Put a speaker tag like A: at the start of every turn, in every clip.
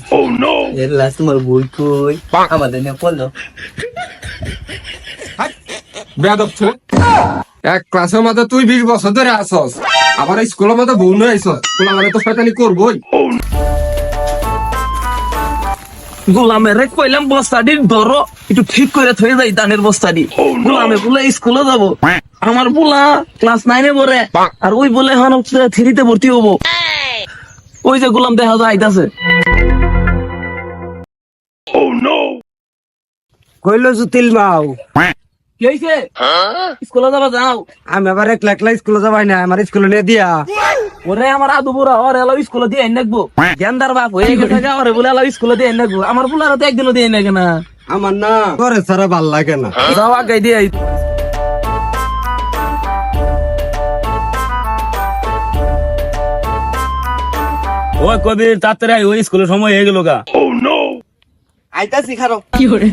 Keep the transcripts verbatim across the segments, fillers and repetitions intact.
A: Oh no!
B: এর last তোমার বই কই আমাদের নিয়ে পড়লো
C: বেয়াদব ছেলে। এক ক্লাসের মধ্যে তুই বিশ বছর ধরে আসস, আবার স্কুলের মধ্যে বউ নিয়ে আইসস, তোলা মানে তো শয়তানি করবই।
D: গোলামের রে কইলাম বস্তাটি ধরো একটু ঠিক করে থয়ে যাই ধানের বস্তাটি। গোলামে বলে স্কুলে যাবো, আমার বলা ক্লাস নাইনে পড়ে, আর ওই বলে এখন থ্রিতে ভর্তি হবো। ওই যে গোলাম দেখা যায় আইতাছে।
A: Oh no!
E: কইলো জুতিল মাও
D: কি হয়েছে? স্কুলে যাবা যাও।
E: আমি আবার একলা একলা স্কুলে যাবাই না, আমার স্কুলে নিয়ে দিয়া।
D: ওরে আমার আদু বুড়া ওর এলাও স্কুলে দিয়ে আইন রাখবো। জ্ঞানদার বাপ হয়ে গেছে গা, ওরে বলে এলাও স্কুলে দিয়ে আইন রাখবো। আমার বুলারা তো একদিনও দিয়ে আইন না।
E: আমার না করে ছাড়া ভাল লাগে না।
D: যাও আগে দিয়ে আই।
F: ওই কবির তাড়াতাড়ি আয়, ওই স্কুলের সময় হয়ে গেল গা।
A: Oh no!
B: আইতাছি খারো
D: কি করে?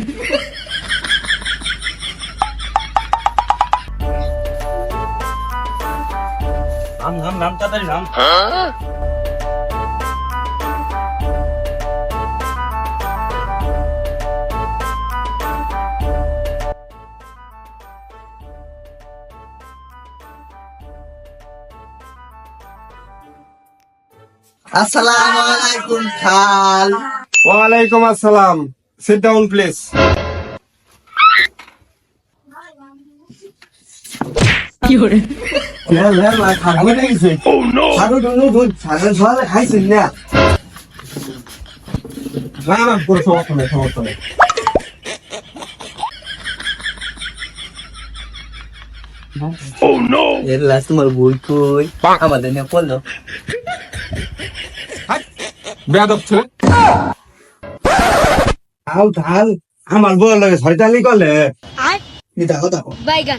F: নাম নাম নাম তাড়াতাড়ি নাম।
B: আসসালামু আলাইকুম খাল
C: ওয়ালাইকুম আসসালাম, সিট ডাউন প্লিজ।
D: কি করে?
A: Oh no!
B: ছাগল ডুনু দুধ ছাগল ঝোলা খাইছিস না
C: না না পুরো সমস্যা নেই, সমস্যা নেই।
A: Oh no!
B: এর লাস্ট তোমার বই কই আমাদের নিয়ে পড়লো
C: বেয়াদব ছেলে।
E: ঢাল ঢাল আমার বউ লাগে শয়তানি করলে।
B: দেখো দেখো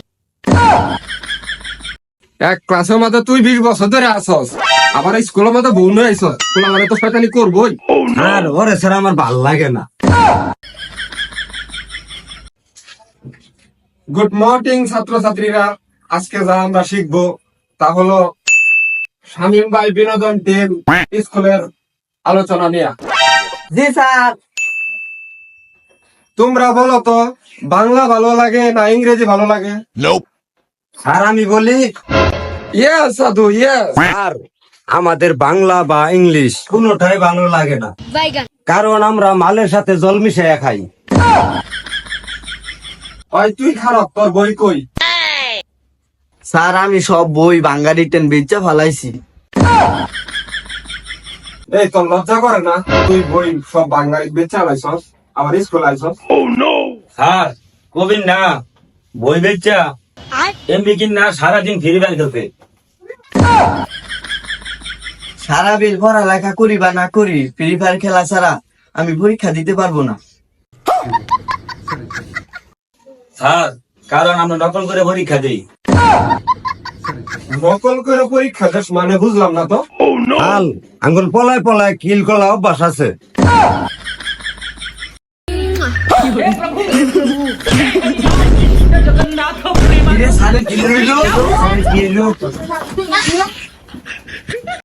C: এক ক্লাসের মধ্যে তুই বিশ বছর ধরে আসস, আবার স্কুলের মধ্যে বউ নিয়ে আইসস, তোলা মানে তো শয়তানি করবই।
A: Oh no!
E: আর ওরে ছাড়া আমার ভাল লাগে না।
C: গুড মর্নিং ছাত্রছাত্রীরা, আজকে যা আমরা শিখবো তা হলো শামীম ভাই বিনোদন টিম স্কুলের আলোচনা নিয়ে।
B: জি স্যার
C: তোমরা বলো তো, বাংলা ভালো লাগে না ইংরেজি ভালো লাগে?
A: Nope!
E: আর আমি বলি
C: ইয়েস সাধু, ইয়েস।
E: আর আমাদের বাংলা বা ইংলিশ কোনোটাই ভালো লাগে না, কারণ আমরা মালের সাথে জল মিশাইয়া খাই।
C: ওই তুই খারাপ, তোর বই কই?
B: স্যার আমি সব বই বাঙালি রিটেন বেচা ফালাইছি
C: এই তোর লজ্জা করে না? তুই বই সব বাঙালি বেচা আইসস, আবার স্কুল আইসস।
A: Oh no!
F: স্যার কবির না বই বেচা এমবি কিন না সারাদিন ফ্রি ফায়ার খেলতে।
B: সারা বিল পড়ালেখা করি বা না করি ফ্রি ফায়ার খেলা ছাড়া আমি পরীক্ষা দিতে পারবো না।
F: স্যার কারণ আমরা নকল করে পরীক্ষা দিই।
C: নকল করে পরীক্ষা দেশ মানে বুঝলাম না তো।
A: Oh no!
E: হাল আঙ্গুল পলায় পলায় কিল কলা অভ্যাস আছে।
B: স্যারের কি হইলো?